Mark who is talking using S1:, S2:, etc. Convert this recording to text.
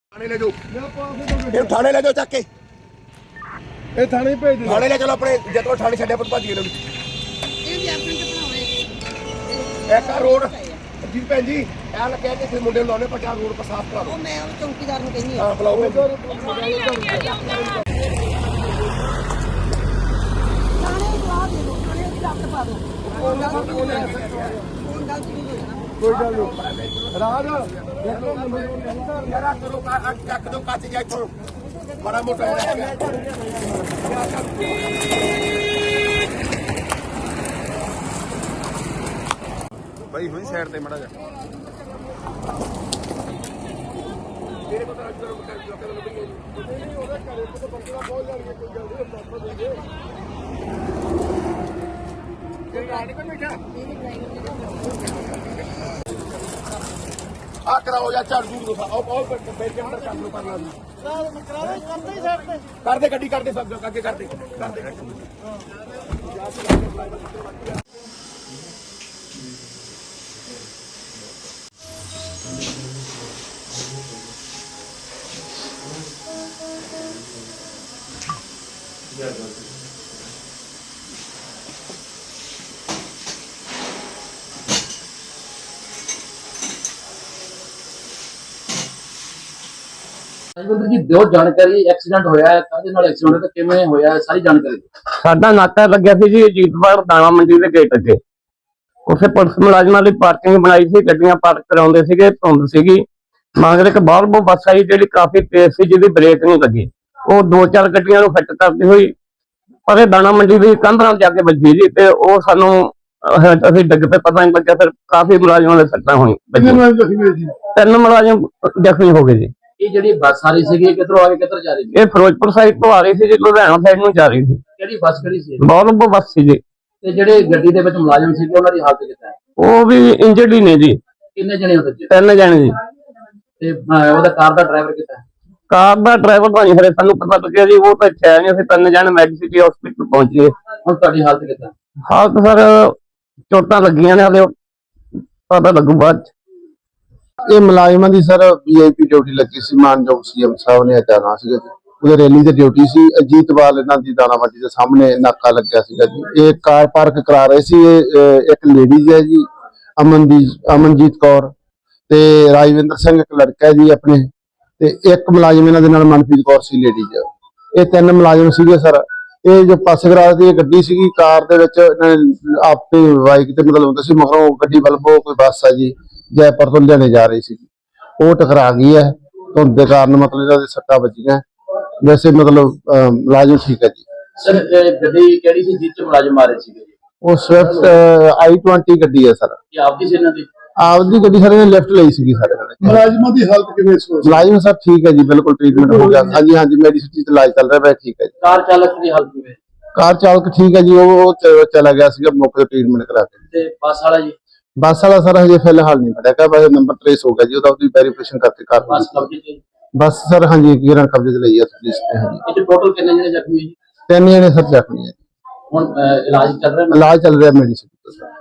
S1: थाने ले जाओ, थाने ले जाओ चक के थाने भेज दो। थाने ले चलो अपने जतों थाने छड्या पर भज गए एक रोड जी भैन जी ऐ कह के फिर मुंडे लाने पर रोड पर साफ करा दो। मैं चौकीदार ਨੂੰ ਕਹਿੰਦੀ ਹਾਂ ਬੁਲਾਓ कोई गल नहीं राज जरा करो चक दो कच जा इथों बड़ा मोटा भाई हुई साइड ते मड़ा जा मेरे को तो आ कराओ या चार दूर दो और बैठ के अंदर काम करना कर दे गड्डी कर दे सब आगे कर दे
S2: राजविंदर जी दिओ जानकारी एक्सीडेंट होया है काहदे नाल एक्सीडेंट ते किवें होया है सारी जानकारी
S3: साडा नाका लग्या सी जी अजीतवाड़ दाणा मंडी दे गेट अगे उसे पुलिस मुलाजमां लई पार्किंग बनाई सी गड्डियां पार्क कराउंदे सीगे धुंद सीगी मगर एक वॉल्वो बस आई जिहड़ी काफी तेज सी जिहदी ब्रेक नहीं लगी वो दो चार गड्डियां नूं हिट करदी होई पर दाणा मंडी दी कंध नाल जाके वजी जी ते वो सानूं ਅਸੀਂ ਡਿੱਗ पे पता नहीं लग्या फिर काफी मुलाजमां दे सट्टां होई तीन मुलाजम ਜ਼ਖਮੀ हो गए जी।
S2: ये ਜਿਹੜੀ ਬੱਸ ਆ ਰਹੀ ਸੀਗੀ ਕਿੱਧਰੋਂ ਆ ਕੇ ਕਿੱਧਰ ਜਾ ਰਹੀ ਸੀ?
S3: ਇਹ ਫਿਰੋਜ਼ਪੁਰ ਸਾਈਡ ਤੋਂ ਆ ਰਹੀ ਸੀ ਜੀ ਲੁਧਿਆਣਾ ਸਾਈਡ ਨੂੰ ਜਾ ਰਹੀ ਸੀ।
S2: ਕਿਹੜੀ ਬੱਸ ਕਿਹੜੀ ਸੀ?
S3: ਵੋਲਵੋ ਬੱਸ ਸੀ ਜੀ।
S2: ਤੇ ਜਿਹੜੇ ਗੱਡੀ ਦੇ ਵਿੱਚ ਮੁਲਾਜ਼ਮ ਸੀਗੇ ਉਹਨਾਂ ਦੀ ਹਾਲਤ ਕਿੱਦਾਂ ਹੈ?
S3: ਉਹ ਵੀ ਇੰਜਰਡ ਹੀ ਨੇ ਜੀ।
S2: ਕਿੰਨੇ ਜਣੇ ਉਹਦੇ ਵਿੱਚ?
S3: ਤਿੰਨ ਜਣੇ ਜੀ।
S2: ਤੇ ਉਹਦਾ ਕਾਰ ਦਾ ਡਰਾਈਵਰ ਕਿੱਦਾਂ ਹੈ?
S3: ਕਾਰ ਦਾ ਡਰਾਈਵਰ ਤਾਂ ਨਹੀਂ ਹਰੇ ਸਾਨੂੰ ਪਤਾ ਲੱਗਿਆ ਜੀ ਉਹ ਤਾਂ ਇੱਥੇ ਆਏ ਨਹੀਂ ਅਸੀਂ ਤਿੰਨ ਜਣੇ ਮੈਡੀਸਿਟੀ ਹਸਪੀਟਲ ਪਹੁੰਚ ਗਏ।
S2: ਹੁਣ ਤੁਹਾਡੀ ਹਾਲਤ ਕਿੱਦਾਂ?
S3: ਹਾਲਤ ਸਰ ਚੋਟਾਂ ਲੱਗੀਆਂ ਨੇ ਹਲੇ ਪਤਾ ਲੱਗੂ ਬਾਅਦ ਚ।
S4: ਇਹ ਮੁਲਾਜ਼ਮਾਂ ਦੀ ਸਰ ਵੀਆਈਪੀ ਡਿਊਟੀ ਲੱਗੀ ਸੀ ਮਾਨਯੋਗ ਸੀਐਮ ਸਾਹਿਬ ਨੇ ਅਚਾਨਕ ਸੀਗਾ ਜੀ ਉਹਦੇ ਰੈਲੀ ਤੇ ਡਿਊਟੀ ਸੀ ਅਜੀਤਵਾਲ ਇਹਨਾਂ ਦੀ ਦਾਣਾ ਮੰਡੀ ਦੇ ਸਾਹਮਣੇ ਨਾਕਾ ਲੱਗਿਆ ਸੀਗਾ ਜੀ ਇਹ ਕਾਰ ਪਾਰਕ ਕਰਾ ਰਹੇ ਸੀ ਇੱਕ ਲੇਡੀਜ਼ ਹੈ ਜੀ ਅਮਨਜੀਤ ਕੌਰ ਤੇ ਰਾਜਵਿੰਦਰ ਸਿੰਘ ਇੱਕ ਲੜਕਾ ਹੈ ਜੀ ਆਪਣੇ ਤੇ ਇੱਕ ਮੁਲਾਜ਼ਮ ਇਹਨਾਂ ਦੇ ਨਾਲ ਮਨਪ੍ਰੀਤ ਕੌਰ ਸੀ ਲੇਡੀਜ਼ ਇਹ ਤਿੰਨ ਮੁਲਾਜ਼ਮ ਸੀਗੇ ਸਰ ਇਹ ਜੋ ਪਾਸੇ ਕਰਾ ਦੀ ਗੱਡੀ ਸੀਗੀ ਕਾਰ ਦੇ ਵਿੱਚ ਇਹਨਾਂ ਨੇ ਆਪੇ ਬਾਈਕ ਤੇ ਮਤਲਬ ਹੁੰਦਾ ਸੀ ਮਗਰੋਂ ਗੱਡੀ ਵੱਲੋਂ ਕੋਈ ਬੱਸ ਆ ਜੀ ਜੈਪੁਰ ਤੋਂ ਲਿਆਣੇ ਜਾ ਰਹੀ ਸੀ ਉਹ ਟਕਰਾ ਗਈ ਹੈ ਧੁੰਦ ਦੇ ਕਾਰਨ ਮਤਲਬ ਇਹਨਾਂ ਦੇ ਸੱਟਾਂ ਵੱਜੀਆਂ ਵੈਸੇ ਮਤਲਬ ਮੁਲਾਜ਼ਮ ਠੀਕ ਹੈ ਜੀ।
S2: ਸਰ ਗੱਡੀ ਕਿਹੜੀ ਸੀ ਜਿਸ ਚ ਮੁਲਾਜ਼ਮ ਆ ਰਹੇ ਸੀਗੇ?
S4: ਉਹ ਸਵਿਫਟ i20 ਗੱਡੀ ਹੈ ਸਰ।
S2: ਇਹ ਆਪਦੀ ਸੀ ਇਹਨਾਂ ਦੀ?
S4: ਆਪਦੀ ਗੱਡੀ ਸਰ ਨੇ ਲੈਫਟ ਲਈ ਸੀਗੀ ਸਾਡੇ ਨਾਲ।
S1: ਮੁਲਾਜ਼ਮਾਂ ਦੀ ਹਾਲਤ ਕਿਵੇਂ ਸੀ?
S4: ਮੁਲਾਜ਼ਮ ਸਰ ਠੀਕ ਹੈ ਜੀ ਬਿਲਕੁਲ ਟ੍ਰੀਟਮੈਂਟ ਹੋ ਗਿਆ ਹਾਂਜੀ ਹਾਂਜੀ ਮੈਡੀਸਿਟੀ ਤੇ ਇਲਾਜ ਚੱਲ ਰਿਹਾ ਹੈ ਠੀਕ ਹੈ ਜੀ।
S2: ਕਾਰ ਚਾਲਕ ਦੀ ਹਾਲਤ ਕਿਵੇਂ?
S4: ਕਾਰ ਚਾਲਕ ਠੀਕ ਹੈ ਜੀ ਉਹ ਚਲਾ ਗਿਆ ਸੀਗਾ ਮੌਕੇ ਤੇ ਟ੍ਰੀਟਮੈਂਟ ਕਰਾ ਕੇ।
S2: ਤੇ ਬੱਸ ਵਾਲਾ ਜੀ?
S4: ਬੱਸ ਵਾਲਾ ਸਰ ਹਜੇ ਫਿਲਹਾਲ ਨਹੀਂ ਫੜਿਆ ਗਿਆ ਨੰਬਰ ਟ੍ਰੇਸ ਹੋ ਗਿਆ ਜੀ ਉਹਦਾ ਉਹਦੀ ਵੈਰੀਫਿਕੇਸ਼ਨ ਕਰਕੇ ਕਰ
S2: ਬੱਸ ਕਬਜ਼ੇ ਤੇ?
S4: ਬੱਸ ਸਰ ਹਾਂਜੀ ਗਿਰਨ ਕਬਜ਼ੇ ਤੇ ਲਈ ਹੈ ਪੁਲਿਸ ਨੇ ਹਾਂਜੀ।
S2: ਇਹ ਟੋਟਲ ਕਿੰਨੇ ਜਣੇ ਜ਼ਖਮੀ ਜੀ?
S4: ਤਿੰਨ ਜਣੇ ਸਰ ਜ਼ਖਮੀ ਹੈ।
S2: ਹੁਣ ਇਲਾਜ ਚੱਲ ਰਿਹਾ?
S4: ਇਲਾਜ ਚੱਲ ਰਿਹਾ ਮੈਡੀਸਿਟੀ।